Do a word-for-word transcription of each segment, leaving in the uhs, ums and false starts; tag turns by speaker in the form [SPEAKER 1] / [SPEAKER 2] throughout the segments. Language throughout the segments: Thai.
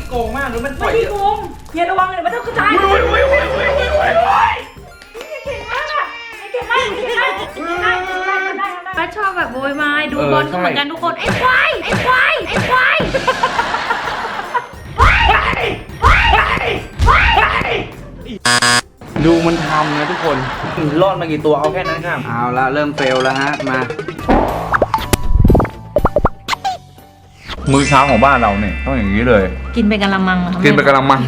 [SPEAKER 1] โกงมากหรือมันปล่
[SPEAKER 2] ไม่
[SPEAKER 1] อย
[SPEAKER 2] ได้โกงเฮียระวังเลยมันต้องกระจาย
[SPEAKER 1] อุ้ยอุ้ยอุ้ยอุ้ยอุ้ยอุ้ยอุ้ย
[SPEAKER 2] เก่งมากอ่ะเก่งมากเก่งมากได้ได้ได้ได้
[SPEAKER 3] ป้าชอบแบบโวยวายดูบอลก็เหมือนกันทุกคนไอ้ควายไอ้ควายไอ้ควาย
[SPEAKER 1] ดูมันทำนะทุกคนรอดมากี่ตัวเอาแค่นั้นครับเอาละเริ่มเฟลแล้วฮะมา
[SPEAKER 4] มื้อเช้าของบ้านเราเนี่ยต้องอย่างนี้เลย
[SPEAKER 3] กินไปกะละมังเหรอ
[SPEAKER 4] กินไปกะละมัง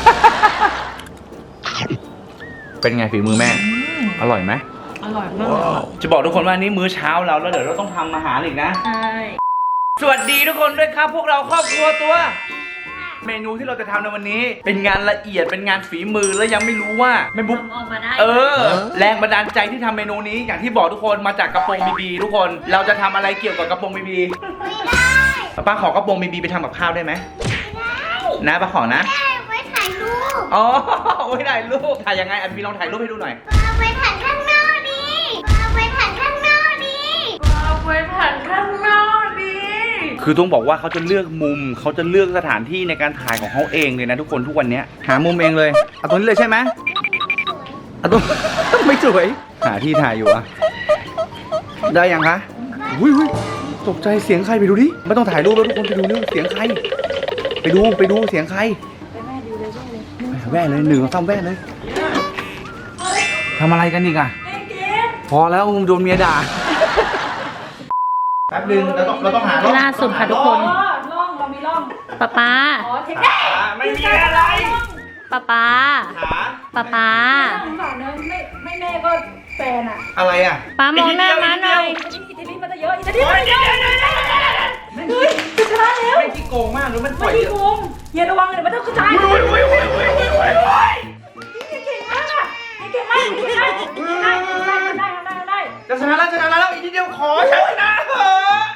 [SPEAKER 4] เป็นไงฝีมือแม่ อร่อยไหม
[SPEAKER 3] อร่อยมาก
[SPEAKER 1] จะบอกทุกคนว่านี่มื้อเช้าเราแล้วเดี๋ยวเราต้องทำอาหารอีกนะ
[SPEAKER 3] ใช่
[SPEAKER 1] สวัสดีทุกคนด้วยครับพวกเราครอบครัวตัว เมนูที่เราจะทำในวันนี้ เป็นงานละเอียดเป็นงานฝีมือแล้วยังไม่รู้ว่าแม่บุ๊ก
[SPEAKER 3] ทำออกมาได้
[SPEAKER 1] เออ แรงบันดาลใจที่ทำเมนูนี้อย่างที่บอกทุกคนมาจากกระโปรงบีบีทุกคนเราจะทำอะไรเกี่ยวกับกระโปรงบีบีไม่ได้ป้าขอกระโปรงบีบีไปทำกับข้าวได้ไหมได้นะป้าขอนะ
[SPEAKER 5] ได้ไว้ถ่ายรูป
[SPEAKER 1] อ๋อไว้ถ่ายรูปถ่ายยังไงอันบีลองถ่ายรูปให้ดูหน่อย
[SPEAKER 5] เอาไปถ่ายข้างนอกดิเอาไปถ่ายข้างนอกดิ
[SPEAKER 3] เอาไปผ่านข้างนอกดี
[SPEAKER 1] คือต้องบอกว่าเขาจะเลือกมุมเขาจะเลือกสถานที่ในการถ่ายของเขาเองเลยนะทุกคนทุกวันนี้หามุมเองเลยเอาตรงนี้เลยใช่ไหมเอาตรง ไม่สวยหาที่ถ่ายอยู่อะได้ยังคะอุ้ยอุ้ยตกใจเสียงใครไปดูดิไม่ต้องถ่ายรูปแล้วทุกคนไปดูเรื่องเสียงใครไปดูไปดูเสียงใครไปแว่เลยหนึ่งต้องแว่เลยทำอะไรกันอีกอะพอแล้วโดนเมียด่าแป๊บนึงเราต้องเราต้องหา
[SPEAKER 3] ล่าสุดค่ะทุกคน
[SPEAKER 2] อ๋อร่องเรามีร่อง
[SPEAKER 3] ป้าป้า
[SPEAKER 2] อ๋อเทคนิค
[SPEAKER 1] ไม่มีอะไร
[SPEAKER 3] ป้าป้า
[SPEAKER 1] หา
[SPEAKER 3] ป้าป้า
[SPEAKER 2] สงสารเนอะไม่ไม่แม่ก็แฟนอ่ะ
[SPEAKER 1] อะไรอะ
[SPEAKER 3] ป้ามองหน้ามาหน่อย
[SPEAKER 2] อิตาลีอิตาลีมันจะเยอะอิตาลีมันจะเยอะเฮ้ยจะชนะแล้ว
[SPEAKER 1] ไม่ขี้โกงมากหรือมันปล่
[SPEAKER 2] ไม่
[SPEAKER 1] อย
[SPEAKER 2] ได้โกงเฮียระวังเลยมันต้องกระจาย
[SPEAKER 1] อุ้ยอุ้ยอุ้ยอุ้ยอุ้ยอุ้ยอุ้ย
[SPEAKER 2] เก่งมากอ่ะเก่งมากเก่งมากได้ได้ได้ได้ได้
[SPEAKER 1] จะชนะแล้วชนะแล้วอีกทีเดียวขอชนะเถอะ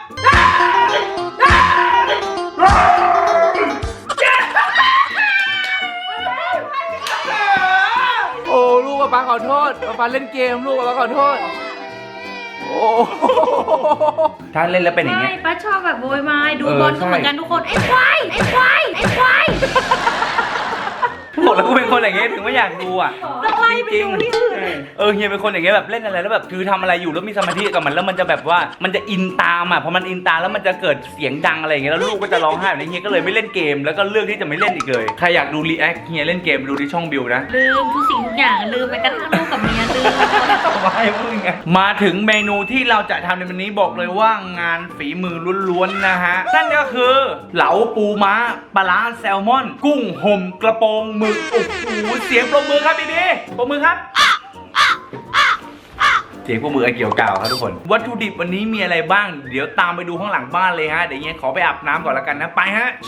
[SPEAKER 1] โอ้ลูกป้าขอโทษป้าเล่นเกมลูกป้าขอโทษโอ้ถ้าเล่นแล้วเป็นอย่างเงี้
[SPEAKER 3] ใช่
[SPEAKER 1] ย
[SPEAKER 3] ป้าชอบแบบโวยวายดู
[SPEAKER 1] เออบ
[SPEAKER 3] อลก็
[SPEAKER 1] ใช่
[SPEAKER 3] เหมือนกันทุกคนไอ้ควายไอ้ควายไอ้ควาย
[SPEAKER 1] บอกแล้วกูเป็นคนอย่างเงี้ยถึงไม่อยากดูอ่ะ
[SPEAKER 3] ต้องไล่ไปดูที่อื่น
[SPEAKER 1] เออเฮียเป็นคนอย่างเงี้ยแบบเล่นอะไรแล้วแบบคือทำอะไรอยู่แล้วมีสมาธิกับมันแล้วมันจะแบบว่ามันจะอินตามอ่ะพอมันอินตามแล้วมันจะเกิดเสียงดังอะไรอย่างเงี้ยแล้วลูกก็จะร้องไห้แบบนี้เฮียก็เลยไม่เล่นเกมแล้วก็เลือกที่จะไม่เล่นอีกเลยใครอยากดูรีแอคเฮียเล่นเกมไปดูที่ช่องบิวนะ
[SPEAKER 3] ลืมทุกสิ่งทุกอย่างลืมไปกระทั่งลูกกับเมียลืม
[SPEAKER 1] ไม่พูดไงมาถึงเมนูที่เราจะทำในวันนี้บอกเลยว่างานฝีมือล้วนๆนะฮะนั่นก็คือเหลาปูม้าปลาร้าแซลมอน กุ้งห่มกระโปรงหมึกโอ้โหเสียงปรบมือครับพี่บีปรบมือครับ เสียงพวกมือไอเกี่ยวกาวครับทุกคน วัตถุดิบวันนี้มีอะไรบ้าง เดี๋ยวตามไปดูข้างหลังบ้านเลยฮะ เดี๋ยวเงี้ยขอไปอาบน้ำก่อนละกันนะ ไปฮะ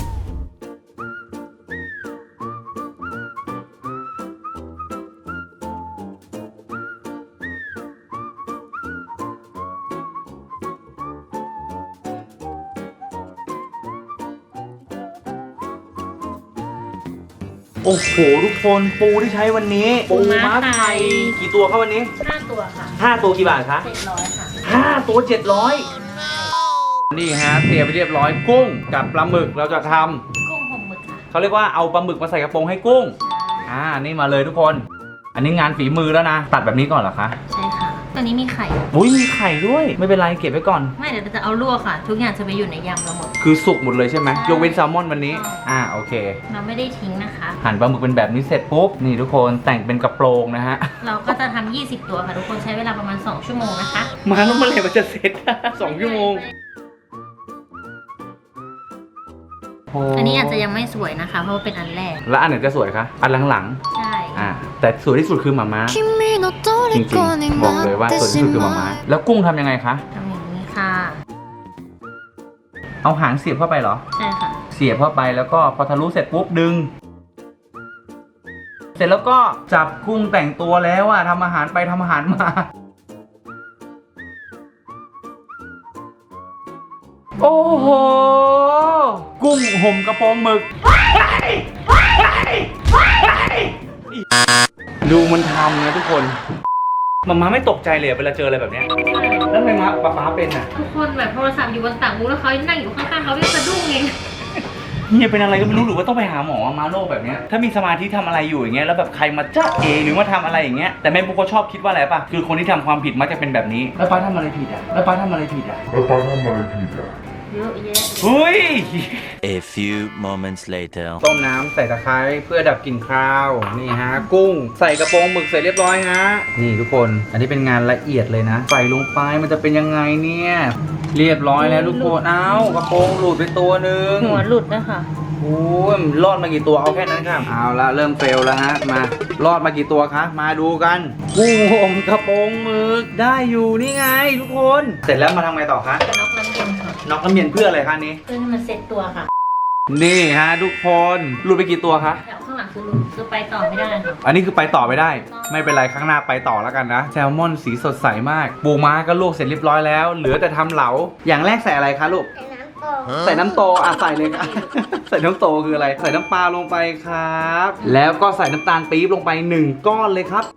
[SPEAKER 1] โอ้โหทุกคนปูที่ใช้วันนี้
[SPEAKER 3] ปูม้าไทย
[SPEAKER 1] กี่ตัวครับวันนี้
[SPEAKER 3] ห้าตัวค่ะ
[SPEAKER 1] ห้าตัวกี่บาทคะ
[SPEAKER 3] เจ็ดร้อยค่ะ
[SPEAKER 1] ห้าตัวเจ็ดร้อยนี่ฮะเตรียมไปเรียบร้อยกุ้งกับปลาหมึกเราจะทำ
[SPEAKER 3] กุ้งห่มหมึกค่ะ
[SPEAKER 1] เขาเรียกว่าเอาปลาหมึกมาใส่กระโปรงให้กุ้งอ่านี่มาเลยทุกคน อันนี้งานฝีมือแล้วนะตัดแบบนี้ก่อนเหรอคะ
[SPEAKER 3] ใช่ค่ะตัวนี้มีไข่
[SPEAKER 1] อุ้ยมีไข่ด้วยไม่เป็นไรเก็บไว้ก่อน
[SPEAKER 3] ไม่เดี๋ยวเราจะเอาลวกค่ะ ทุกอย่างจะไปอยู่ในยำเราหมด
[SPEAKER 1] คือสุกหมดเลยใช่ไหม
[SPEAKER 3] ใช่
[SPEAKER 1] ยกเว้นแซลมอนวันนี้อ่าโอเค
[SPEAKER 3] เราไม่ได้ทิ้งนะคะ
[SPEAKER 1] หั่นปลาหมึกเป็นแบบนี้เสร็จปุ๊บนี่ทุกคนแต่งเป็นกระโปรงนะฮะ
[SPEAKER 3] เราก็จะทำยี่สิบตัวค่ะทุกคนใช้เวลาประมาณสองชั่วโมงนะคะ
[SPEAKER 1] มาแล้วเมื่อไหร่มันจะเสร็จ สองชั่วโมง
[SPEAKER 3] อันนี้อาจจะยังไม่สวยนะคะ เพราะว่าเป็นอันแรก
[SPEAKER 1] แล้วอันไหนจะสวยคะอันหลัง
[SPEAKER 3] ใช่
[SPEAKER 1] ๆอ่าแต่สวยที่สุดคือหมาม้าจริงๆบอกเลยว่าสวยที่สุดคือหมาม้าแล้วกุ้งทำยังไงคะ
[SPEAKER 3] ทำอย่างนี้ค่ะ
[SPEAKER 1] เอาหางเสียบเข้าไปเหรอ
[SPEAKER 3] ใช่ค่ะ
[SPEAKER 1] เสียบเข้าไปแล้วก็พอทะลุเสร็จปุ๊บดึง เสร็จแล้วก็จับกุ้งแต่งตัวแล้วอะทำอาหารไปทำอาหารมา โอ้โห กุ้งห่มกระโปรงหมึก ดูมันทำนะทุกคนมาม่าไม่ตกใจเลยเวลาเจออะไรแบบเนี้ยแล้วทำไมมาป๊าป๊าเป็นอะ
[SPEAKER 3] ทุกคนแบบโทรศัพท์อยู่บนต่างหูแล้วเขานั่งอยู่ข้างๆเขาเรียกสะดุ้งเอง
[SPEAKER 1] เฮียเป็นอะไรก็ไม่รู้หรือว่าต้องไปหาหมอมาโรคแบบเนี้ยถ้ามีสมาธิทำอะไรอยู่อย่างเงี้ยแล้วแบบใครมาจ้าเอหรือมาทำอะไรอย่างเงี้ยแต่แม่บุ๊กก็ชอบคิดว่าอะไรป่ะคือคนที่ทำความผิดมักจะเป็นแบบนี้แล้วป้าทำอะไรผิดอ่ะแล้วป้าทำอะไรผิดอ่ะ
[SPEAKER 4] แล้วป้าทำอะไรผิดอ่ะ
[SPEAKER 3] เยอะแยะ
[SPEAKER 1] เฮ้ย
[SPEAKER 6] A few moments later.
[SPEAKER 1] ต้มน้ำใส่ตะไคร้เพื่อดับกลิ่นคาวนี่ฮะกุ้งใส่กระโปรงหมึกเสร็จเรียบร้อยฮะนี่ทุกคนอันนี้เป็นงานละเอียดเลยนะใส่ลงไปมันจะเป็นยังไงเนี่ยเรียบร้อยแล้วทุกคนเอ้ากระโปรงหลุดไปตัวหนึ่ง
[SPEAKER 3] หัวหลุดนะคะ
[SPEAKER 1] โอ้ยรอดมากี่ตัวเอาแค่นั้นครับเอาละเริ่มเฟลแล้วฮะมารอดมากี่ตัวคะมาดูกันกุ้งห่มกระโปรงหมึกได้อยู่นี่ไงทุกคนเสร็จแล้วมาทำไงต่อคะ
[SPEAKER 3] กระนกน้ำเย็นค่ะ
[SPEAKER 1] น็อกน้ำเย็นเพื่ออะไรคะนี้
[SPEAKER 3] เพื่อให้มันเซ็ตตัวค่ะ
[SPEAKER 1] นี่ฮะทุกคนหลุดไปกี่ตัวคะ
[SPEAKER 3] แถวข้างหลังคือหลุดคือไปต่อไม่ได้ค่ะ
[SPEAKER 1] อันนี้คือไปต่อไม่ได้ ไม่เป็นไรข้างหน้าไปต่อแล้วกันนะแซลมอนสีสดใสมากปูม้าก็ลวกเสร็จเรียบร้อยแล้ว เหลือแต่ทำเหลาอย่างแรกใส่อะไรคะลูก
[SPEAKER 5] ใส่น้ำโต
[SPEAKER 1] ใส่น้ำโตอ่ะใส่เลยค่ะ ใส่น้ำโตคืออะไร ใส่น้ำปลาลงไปครับ แล้วก็ใส่น้ำตาลปี๊บลงไปหนึ่งก้อนเลยครับ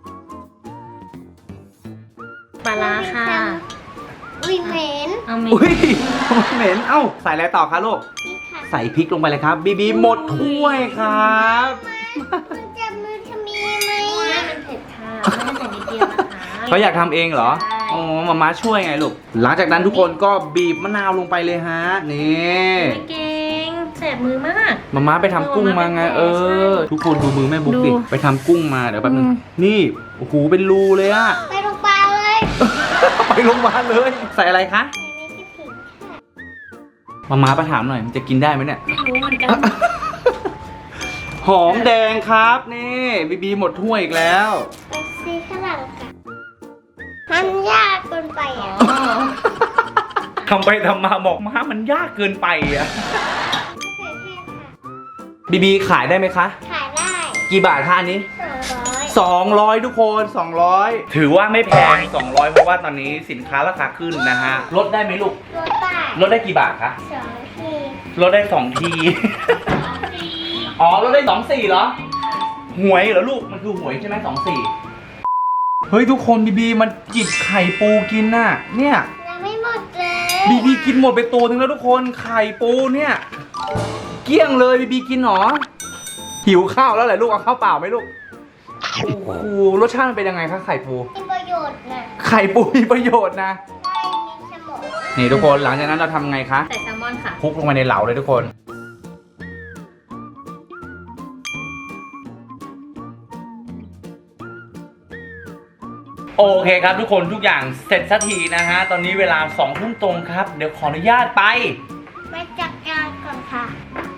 [SPEAKER 3] ปลาร้าค่ะ
[SPEAKER 5] อุ้ยเหม็น
[SPEAKER 3] เอาเม
[SPEAKER 1] อุ้ยเหม็นเอ้าใส่อะไรต่อคะลูก
[SPEAKER 5] นี่ค่ะ
[SPEAKER 1] ใส่พริกลงไปเลยครับบีบีหมดถ้วยครับ
[SPEAKER 5] มันจะมือทำมีไหม
[SPEAKER 3] ไม่
[SPEAKER 5] อะ
[SPEAKER 3] มันเผ็ดค่ะไม่ได้ใส่นิดเดียวนะคะ
[SPEAKER 1] เขาอยากทำเองเหรอ
[SPEAKER 3] ใช่
[SPEAKER 1] อ๋อมาม่าช่วยไงลูก หลังจากนั้นทุกคนก็บีบมะนาวลงไปเลยฮะ นี่
[SPEAKER 3] ไม่เก่งแสบมือมาก
[SPEAKER 1] มาม่าไปทำกุ้งมาไงเออ ทุกคนดูมือแม่บุ๊กดิ
[SPEAKER 3] ดู
[SPEAKER 1] ไปทำกุ้งมาเดี๋ยวแป๊บนึง
[SPEAKER 3] อืม
[SPEAKER 1] นี่โอ้โหเป็นรูเลยอะ
[SPEAKER 5] ไปโรงพยาบาลเลย
[SPEAKER 1] ไปโรงพยาบาลเลย ใส่อะไรคะ
[SPEAKER 5] อันนี้คือผิดค่ะ
[SPEAKER 1] มาม่าไปถามหน่อยมันจะกินได้ไหมเนี่ย
[SPEAKER 3] ไม่รู้เหมือนกัน
[SPEAKER 1] หอมแดงครับนี่บีบีหมดถ้วยอีกแล้ว
[SPEAKER 5] ไปซีข้างหลังค่ะมันยากเกินไปอ่ะ
[SPEAKER 1] ทำไปทำมาบอกมามันยากเกินไปอะ
[SPEAKER 5] มะเขือเทศค่ะ
[SPEAKER 1] บีบีขายได้ไหมคะ
[SPEAKER 5] ขายได้
[SPEAKER 1] กี่บาทคะอันนี้
[SPEAKER 5] สองร้อย
[SPEAKER 1] สองร้อยทุกคนสองร้อยถือว่าไม่แพงสองร้อยเพราะว่าตอนนี้สินค้าราคาขึ้นนะฮะลดได้ไหมลูก
[SPEAKER 5] รถได้
[SPEAKER 1] ลดได้กี่บาทคะ
[SPEAKER 5] สองที
[SPEAKER 1] ลดได้สองที อ๋อลดได้สองสี่เหรอ หวยเหรอลูก มันคือหวยใช่ไหมสองสี่เฮ้ยทุกคนบีบีมันจิบไข่ปูกินน่ะ เนี่ย
[SPEAKER 5] ยังไม่หมดเลย
[SPEAKER 1] บีบีกินหมดไปตัวนึงแล้วทุกคนไข่ปูเนี่ย เกลี้ยงเลยบีบีกินหรอ หิวข้าวแล้วแหละลูกเอาข้าวเปล่าไหมลูก โอ้โหรสชาติมันเป็นยังไงคะไข่ปู
[SPEAKER 5] มีประโยชน์นะ
[SPEAKER 1] ไข่ปูมีประโยชน์นะ
[SPEAKER 5] ได้มีสมอง
[SPEAKER 1] นี่ทุกคนหลังจากนั้นเราทำไงคะ
[SPEAKER 3] ใส่แซลมอนค่ะ
[SPEAKER 1] คลุกลงไปในเหลาเลยทุกคน โอเคครับทุกคนทุกอย่างเสร็จสักทีนะฮะ ตอนนี้เวลาสองทุ่มตรงครับ เดี๋ยวขออนุญาตไป
[SPEAKER 5] ไปจัดการก่อนค่ะ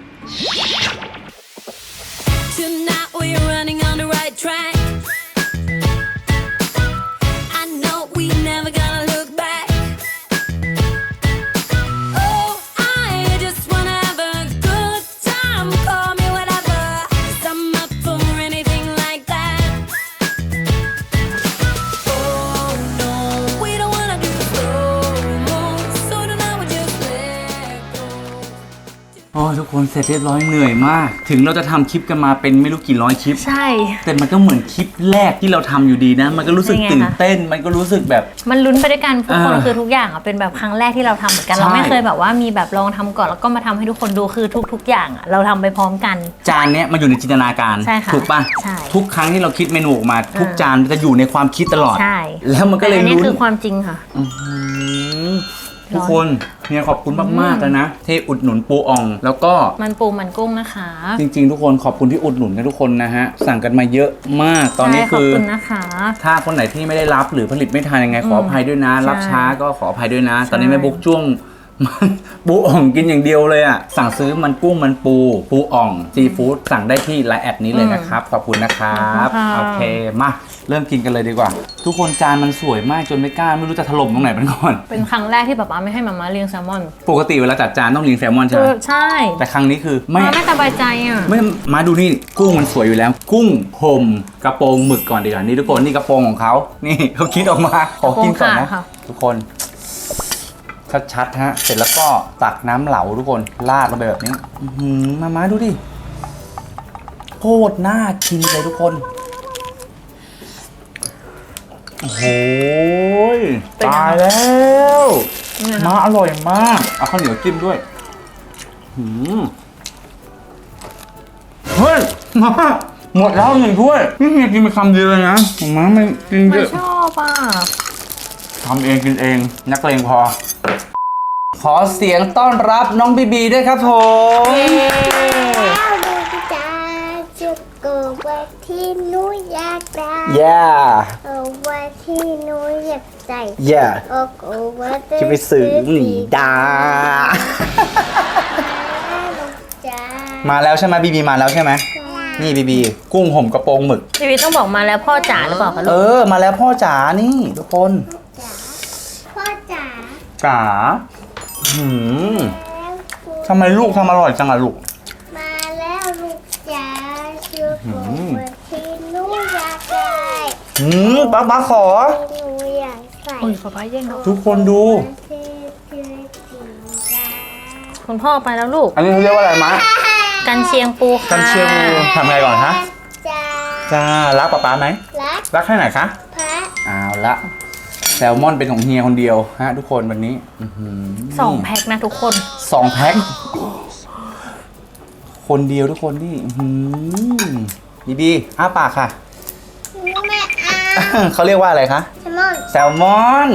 [SPEAKER 7] Tonight we're running on the right track. I know we never gonna look back. Oh, I just wanna have a good time. Call me whatever, 'cause I'm up for anything like that. Oh no, we don't wanna do slow-mo, so tonight we just let go.
[SPEAKER 1] โอ้ทุกคนเสร็จเรียบร้อยเหนื่อยมาก ถึงเราจะทำคลิปกันมาเป็นไม่รู้กี่ร้อยคลิป
[SPEAKER 3] ใช่
[SPEAKER 1] แต่มันก็เหมือนคลิปแรกที่เราทำอยู่ดีนะ มันก็รู้สึก
[SPEAKER 3] เป็นไงคะ
[SPEAKER 1] ตื่นเต้น มันก็รู้สึกแบบ
[SPEAKER 3] มันลุ้นไปด้วยกันทุกคน
[SPEAKER 1] อ่า
[SPEAKER 3] คือทุกอย่างอ่ะเป็นแบบครั้งแรกที่เราทำเหมือนกัน
[SPEAKER 1] ใช่
[SPEAKER 3] เราไม่เคยแบบว่ามีแบบลองทำก่อนแล้วก็มาทำให้ทุกคนดูคือทุก ๆ อย่างอ่ะเราทำไปพร้อมกัน
[SPEAKER 1] จานเนี้ยมันอยู่ในจินตนาการ
[SPEAKER 3] ใช่ค่ะ
[SPEAKER 1] ถูกป่ะ
[SPEAKER 3] ใช่
[SPEAKER 1] ทุกครั้งที่เราคิดเมนูออกมา ทุก
[SPEAKER 3] อ่า
[SPEAKER 1] จานมันจะอยู่ในความคิดตลอด
[SPEAKER 3] ใช่
[SPEAKER 1] แล้วมันก็เลย
[SPEAKER 3] แต่อันนี้
[SPEAKER 1] ลุ้น
[SPEAKER 3] คือความจริงค่ะ
[SPEAKER 1] อื้อหือทุกคนเนี่ยขอบคุณมากๆเลยนะที่อุดหนุนปูอ่อง แล้วก็
[SPEAKER 3] มันปูมันกุ้งนะคะ
[SPEAKER 1] จริงๆ ทุกคนขอบคุณที่อุดหนุนกันทุกคนนะฮะ สั่งกันมาเยอะมากตอนนี้
[SPEAKER 3] ใช่ข
[SPEAKER 1] คื
[SPEAKER 3] อบ
[SPEAKER 1] อ
[SPEAKER 3] คุณนะคะ
[SPEAKER 1] ถ้าคนไหนที่ไม่ได้รับหรือผลิตไม่ทันยังไงขออภัยด้วยนะ
[SPEAKER 3] ใช่
[SPEAKER 1] รับช้าก็ขออภัยด้วยนะ
[SPEAKER 3] ใช่
[SPEAKER 1] ตอนนี้แม่บุ๊กจ้วง มันปูอ่องกินอย่างเดียวเลยอ่ะสั่งซื้อมันกุ้งมันปูปูอ่องซีฟู้ดสั่งได้ที่ไลน์แอดนี้เลยนะครับขอบคุณนะครับโอเคมาเริ่มกินกันเลยดีกว่า ทุกคนจานมันสวยมากจนไม่กล้าไม่รู้จะถล่มตรงไหนมันก่อน
[SPEAKER 3] เป็นครั้งแรกที่ป๊าป๊าไม่ให้มาม่าเลี้ยงแซลมอน
[SPEAKER 1] ปกติเวลาจัดจานต้องเลี้ยงแซลมอนใช่ไห
[SPEAKER 3] คื
[SPEAKER 1] ม
[SPEAKER 3] อใช่
[SPEAKER 1] แต่ครั้งนี้คือไม่
[SPEAKER 3] มาไม่สบายใจอ่ะ
[SPEAKER 1] ไม่มาดูนี่กุ้งมันสวยอยู่แล้ว กุ้งห่มกระโปรงหมึกก่อนดีกว่านี่ทุกคนนี่กระโปรงของเขานี่เขาคิดออกมาขอกินก่อนนะ
[SPEAKER 3] กระโปรงขาดค่ะ
[SPEAKER 1] ทุกคนชัดๆฮะเสร็จแล้วก็ตักน้ำเหลาทุกคนราดลงไปแบบนี้อื้อหือมามาดูดิโคตรน่ากินเลยทุกคนโอ้โหตายแล้วมาอร่อยมากเอาข้าวเหนียวจิ้มด้วยหืมหมดแล้วหนึ่งถ้วยนี่เฮียกินไปคำเดียวเลยนะผมมาไม่กินเย
[SPEAKER 3] ไม่
[SPEAKER 1] อะ
[SPEAKER 3] ชอบอ่ะ
[SPEAKER 1] ทำเองกินเองนักเลงพอ ขอเสียงต้อนรับน้องบีบีด้วยครับผม
[SPEAKER 5] แล้วดูจ้าจุกเกิดวันที่หนูอยากได้
[SPEAKER 1] yeah
[SPEAKER 5] เออวันที่หนูอยากใส่
[SPEAKER 1] yeah
[SPEAKER 5] โอ้โหวันที่
[SPEAKER 1] จะไปสื่อหนีดา
[SPEAKER 5] จ้า
[SPEAKER 1] มาแล้วใช่ไหมบีบีมาแล้วใช่ไหมนี่บีบีกุ้งห่มกระโปรงหมึก
[SPEAKER 3] พี่วิทย์ต้องบอกมาแล้วพ่อจ๋าหรือเปล่าคะ
[SPEAKER 1] เอ
[SPEAKER 3] ลูก
[SPEAKER 1] อมาแล้วพ่อจ๋านี่ทุกคน
[SPEAKER 5] พ่อจ๋า
[SPEAKER 1] จ๋าหืม
[SPEAKER 5] แล้วคุณ
[SPEAKER 1] ทำไมลูกทำอร่อยจังอะลูก
[SPEAKER 5] มาแล้วลูกจ๋าจุกเกิดวันที่หนูอยากได้
[SPEAKER 1] หืมป๊าป๊าขอ
[SPEAKER 5] ที่หนูอยากใส่
[SPEAKER 3] อุ้ยป๊าป๊าแย่งเรา
[SPEAKER 1] ทุกคนดู
[SPEAKER 5] ที่ที่สีดา
[SPEAKER 3] คุณพ่อไปแล้วลูก
[SPEAKER 1] อันนี้เขาเรียกว่าอะไรมะ
[SPEAKER 3] กันเชียงปูค่ะ
[SPEAKER 1] กันเชียงปูทำไงก่อนฮะ
[SPEAKER 5] จ้า
[SPEAKER 1] จ้ารักป๊าป๊าไหม
[SPEAKER 5] รัก
[SPEAKER 1] รักแค่ไหนคะ
[SPEAKER 5] พระ
[SPEAKER 1] เอาละแซลมอนเป็นของเฮียคนเดียวฮะทุกคนวันนี้อื้อหื
[SPEAKER 3] สองแพ็คนะทุกคน
[SPEAKER 1] สองแพ็คคนเดียวทุกคนนี่อื้อหือบีบีอ้าปากค่ะ
[SPEAKER 5] แม่อา
[SPEAKER 1] เขาเรียกว่าอะไรคะ
[SPEAKER 5] แซลมอน
[SPEAKER 1] แซลมอน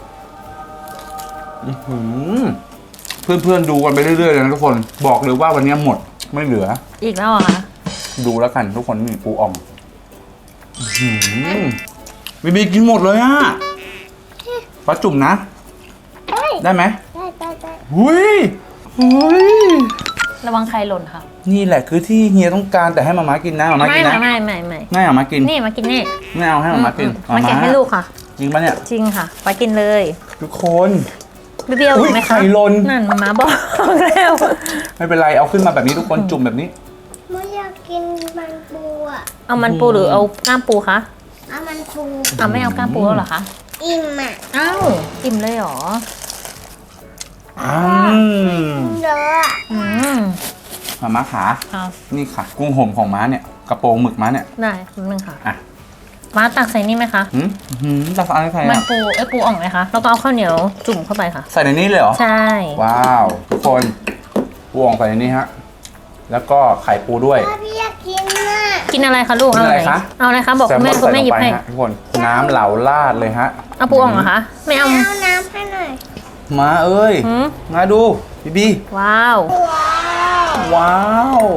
[SPEAKER 1] อื้อหือเพื่อนๆดูกันไปเรื่อยๆเลยนะทุกคนบอกเลยว่าวันนี้หมดไม่เหลือ
[SPEAKER 3] อีกแล้วเหรอคะ
[SPEAKER 1] ดูแล้วกันทุกคนนี่ปูอ่องอื้อหือบีบีกินหมดเลยอ่ะปลาจุ่มนะ
[SPEAKER 5] เอ้ย
[SPEAKER 1] ได้ไหม
[SPEAKER 5] ได้ได้ได้
[SPEAKER 1] หุยหุย
[SPEAKER 3] ระวังใครหล่นค่ะ
[SPEAKER 1] นี่แหละคือที่เฮียต้องการแต่ให้มาม่ากินนะมาม่า
[SPEAKER 3] ไม่
[SPEAKER 1] กินนะ
[SPEAKER 3] ไม่ไม่ไม่
[SPEAKER 1] ไม่เอามากิน
[SPEAKER 3] นี่มากินนี่
[SPEAKER 1] ไม่เอาให้มาม่ากิน
[SPEAKER 3] มาแกะให้ลูกค่ะ
[SPEAKER 1] จริงปะเนี่ย
[SPEAKER 3] จริงค่ะไปกินเลย
[SPEAKER 1] ทุกคน
[SPEAKER 3] เบี้ยว
[SPEAKER 1] อุ๊ย
[SPEAKER 3] ไหมคะ
[SPEAKER 1] ไข่หล่น
[SPEAKER 3] นั่นมาม่าบอกแล้ว
[SPEAKER 1] ไม่เป็นไรเอาขึ้นมาแบบนี้ทุกคนจุ่มแบบนี้
[SPEAKER 5] หนูอยากกินมันปูอ่ะ
[SPEAKER 3] เอามันปูหรือเอากล้ามปูคะ
[SPEAKER 5] เอามันปู
[SPEAKER 3] เอาไม่เอากล้ามปูแล้วเหรอคะ
[SPEAKER 5] อิ่มอ่ะ
[SPEAKER 3] อ้าวอิ่มเลยเหรอ
[SPEAKER 1] อืม
[SPEAKER 5] เยอะอะ
[SPEAKER 3] อืม
[SPEAKER 1] มาม่าขา
[SPEAKER 3] เอา
[SPEAKER 1] นี่ค่ะ กุ้งห่มของม้าเนี่ยกระโปรงหมึกม้าเนี่ย
[SPEAKER 3] ได้แป๊บนึงค่ะ
[SPEAKER 1] อ่ะ
[SPEAKER 3] มาตักใส่นี่ไหมคะ
[SPEAKER 1] หืมหืมตักอะไรใส่
[SPEAKER 3] มัน
[SPEAKER 1] อ่ะ
[SPEAKER 3] ปูเอ้ยปูอ่องไหมคะแล้วก็เอาข้าวเหนียวจุ่มเข้าไปค่ะ
[SPEAKER 1] ใส่ในนี้เลยเหรอ
[SPEAKER 3] ใช่
[SPEAKER 1] ว้าวทุกคนปูอ่องใส่ในนี้ฮะแล้วก็ไข่ปูด้วย
[SPEAKER 5] พ่อพี่อยากกินอ่ะ
[SPEAKER 3] กินอะไรคะลูก
[SPEAKER 1] กินอะไรคะ
[SPEAKER 3] เอาอะไรคะบอก
[SPEAKER 1] แซล
[SPEAKER 3] คุณ
[SPEAKER 1] ม
[SPEAKER 3] แม่
[SPEAKER 1] อน
[SPEAKER 3] คุณ
[SPEAKER 1] ใส่
[SPEAKER 3] แม่
[SPEAKER 1] ล
[SPEAKER 3] หยิ
[SPEAKER 1] ง
[SPEAKER 3] บ
[SPEAKER 1] ไป
[SPEAKER 3] ให้
[SPEAKER 1] ฮะทุกคนน้ำเหลาลาดเลยฮะ
[SPEAKER 3] เอาปูอ่องเหรอคะไม่เอา
[SPEAKER 5] เอาน้ำให้หน่อย
[SPEAKER 1] มาเอ้ย
[SPEAKER 3] หืม
[SPEAKER 1] มาดูบีบี
[SPEAKER 3] ว้าว
[SPEAKER 5] ว้าว
[SPEAKER 1] ว้าว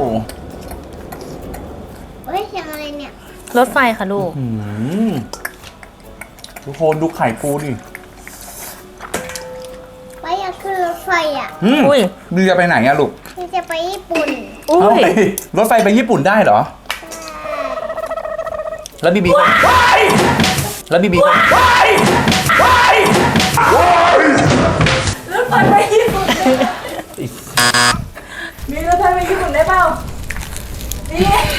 [SPEAKER 5] เฮ้ยเสียงอะไรเนี่ย
[SPEAKER 3] รถไฟค่ะลูก
[SPEAKER 1] หืมทุกคนดูไข่ปูดิ
[SPEAKER 5] ไปอยากขึ้นรถไฟอ่ะ
[SPEAKER 1] อืม
[SPEAKER 3] อุ้ย
[SPEAKER 1] บีจะไปไหนอะลูก
[SPEAKER 5] พี่จะไปญี่ปุ่น
[SPEAKER 3] อุ้
[SPEAKER 1] เอ้าย รถไฟไปญี่ปุ่นได้เหรอ แล้วบีบีก็แล้วบีบีก็
[SPEAKER 2] รถไฟไปญี่ปุ่นมีรถไฟไปญี่ปุ่นได้เปล่านี่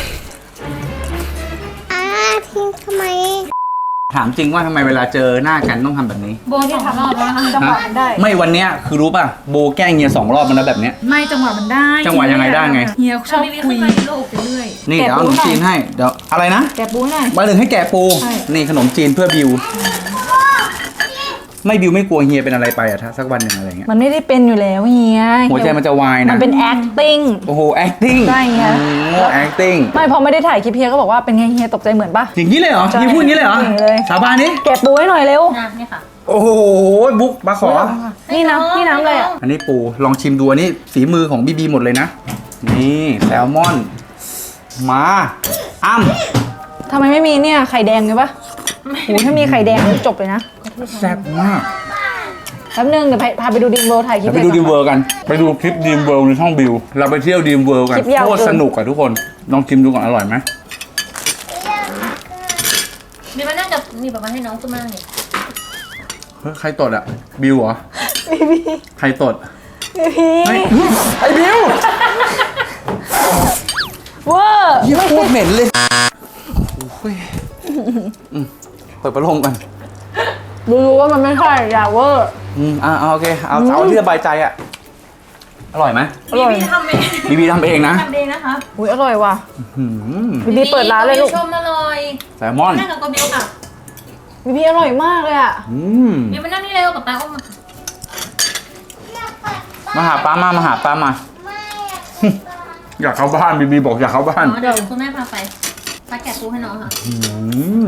[SPEAKER 5] อ้าทิ้งทำไม
[SPEAKER 1] ถามจริงว่าทำไมเวลาเจอหน้ากันต้องทำแบบนี้
[SPEAKER 3] โบที่ทำรอบแล้วนะคะ
[SPEAKER 2] จังหวะมันได้
[SPEAKER 1] ไม่วันเนี้ยคือรู้ป่ะโบแกล้งเฮียสองรอบมันแล้วแบบเนี้ย
[SPEAKER 2] ไม่จังหวะมันได้
[SPEAKER 1] จังหวะยังไงได้ไง
[SPEAKER 2] เฮียชอบ
[SPEAKER 3] มี
[SPEAKER 2] คุ
[SPEAKER 3] ขึ้
[SPEAKER 2] ย
[SPEAKER 3] นมาที่โลกไปเรื่อย
[SPEAKER 1] นี่เดี๋ยวเอาขนมจีนให้เดี๋ยวอะไรนะ
[SPEAKER 2] แกะปูหน่อย
[SPEAKER 1] มาถึงให้แกะปู
[SPEAKER 2] ใช่
[SPEAKER 1] นี่ขนมจีนเพื่อบิว ไม่บิวไม่กลัวเฮียเป็นอะไรไปอะถ้าสักวันหนึ่งอะไรเงี้ย
[SPEAKER 2] มันไม่ได้เป็นอยู่แล้วเฮีย
[SPEAKER 1] หัวใจมันจะวาย
[SPEAKER 2] มั
[SPEAKER 1] นะ
[SPEAKER 2] นเป็น acting
[SPEAKER 1] โอ้โห acting
[SPEAKER 2] ใช่ไง
[SPEAKER 1] โอ้ acting
[SPEAKER 2] ไม่พอไม่ได้ถ่ายคลิปเฮียก็บอกว่าเป็นไงเฮียตกใจเหมือนปะ
[SPEAKER 1] อย่างนี้เลยเหรอ
[SPEAKER 2] ใช่
[SPEAKER 1] เฮียพูดอย่างนี้เลยเหรอ
[SPEAKER 2] อย่างนี้เลย
[SPEAKER 1] สาบานนี้
[SPEAKER 2] แกะปูให้หน่อยเร็ว
[SPEAKER 3] ๆนะนี่ค่ะ
[SPEAKER 1] โอ้โหบุ๊กมาขอ
[SPEAKER 2] นี่น้ำนี่น้ำอะไรอ่ะ
[SPEAKER 1] อันนี้ปูลองชิมดูอันนี้ฝีมือของบีบีหมดเลยนะ นี่แซลมอน มาอ้ำ
[SPEAKER 2] ทำไมไม่มีเนี่ยไข่แดงเลยปะโอ้ถ้ามีไข่แดงจบเลยนะ
[SPEAKER 1] แซ่บมาก
[SPEAKER 2] แป๊บนึงเดี๋ยวพาพาไปดูดิมโบถ่ายคลิ
[SPEAKER 1] เดี๋
[SPEAKER 2] ป
[SPEAKER 1] ยวไปดู
[SPEAKER 2] ล
[SPEAKER 1] ดี
[SPEAKER 2] ย
[SPEAKER 1] มเวิร์กัน ไปดูคลิปดีมเวิร์ในช่องบิว เราไปเที่ยวดีมเวิร์กัน
[SPEAKER 2] คลิปยาว
[SPEAKER 1] โคตร
[SPEAKER 2] เกิน
[SPEAKER 1] สนุกอะทุกคน ลองชิมดูก่อนอร่อยไหม
[SPEAKER 3] มีมานั่งกับมีแบบมาให้น้องขึ้นมาเนี่ย
[SPEAKER 1] เฮ้ยใครตดอะบิวเหรอ
[SPEAKER 2] บีบี
[SPEAKER 1] ใครตด
[SPEAKER 2] บีบี
[SPEAKER 1] ไม่ไอ้บิว
[SPEAKER 2] เวอร์
[SPEAKER 1] ยี่โคตรเหม็นเลยโอ้ยอืมเปิดพัดลมกัน
[SPEAKER 2] รู้ๆว่ามันไม่ใช่อย่าเวอร์
[SPEAKER 1] อืมอ่าโอเค เอาเอาที่สบายใจอะอร่อยไหม
[SPEAKER 2] อร่อย
[SPEAKER 3] ทำเอง
[SPEAKER 1] บีบีทำเองนะ
[SPEAKER 3] ทำเองนะคะ
[SPEAKER 2] อุ้ยอร่อยว่ะ
[SPEAKER 1] หืม
[SPEAKER 2] บีบีเปิดร้านเลยลูก
[SPEAKER 3] ชมอร่อย
[SPEAKER 1] แซลมอน
[SPEAKER 3] นั่งกับกบิวค่ะ
[SPEAKER 2] บีบีอร่อยมากเลยอ่ะ
[SPEAKER 1] อืม
[SPEAKER 3] บิวมานั่งนี่เร็วกับตาอ้อมมา
[SPEAKER 1] มาหาป้ามา มาหาป้ามา
[SPEAKER 5] ไม่อยาก
[SPEAKER 1] บี
[SPEAKER 4] อยากเข้าบ้านบีบีบอกอยากเข้าบ้าน
[SPEAKER 3] อ๋อเดี๋ยวคุณแม่พาไปป้าแกะปูให้น้องค่ะ
[SPEAKER 1] อืม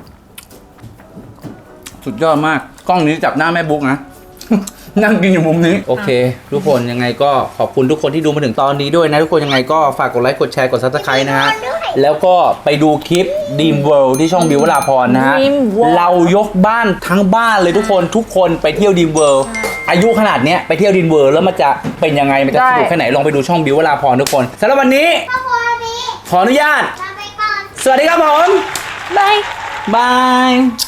[SPEAKER 1] สุดยอดมากกล้องนี้จับหน้าแม่บุ๊กนะ นั่งกินอยู่มุมนี้โอเค ทุกคนยังไงก็ขอบคุณทุกคนที่ดูมาถึงตอนนี้ด้วยนะ ทุกคนยังไงก็ฝากกดไลค์กดแชร์กดซับสไครต์นะฮะแล้วก็ไปดูคลิป Dream World ที่ช่องบิววราพรนะฮะ
[SPEAKER 3] Dream World
[SPEAKER 1] เรายกบ้านทั้งบ้านเลยทุกคนทุกคนไปเที่ยว Dream World อายุขนาดเนี้ยไปเที่ยว Dream World แล้วมันจะเป็นยังไงมันจะสนุกแค่ไหนลองไปดูช่องบิววราพรทุกคนสำหรับวันนี้
[SPEAKER 5] พ่อพ่อพี่
[SPEAKER 1] ขออนุญาต
[SPEAKER 5] ลาไปก่อน
[SPEAKER 1] สวัสดีครับผม
[SPEAKER 3] บาย
[SPEAKER 1] บาย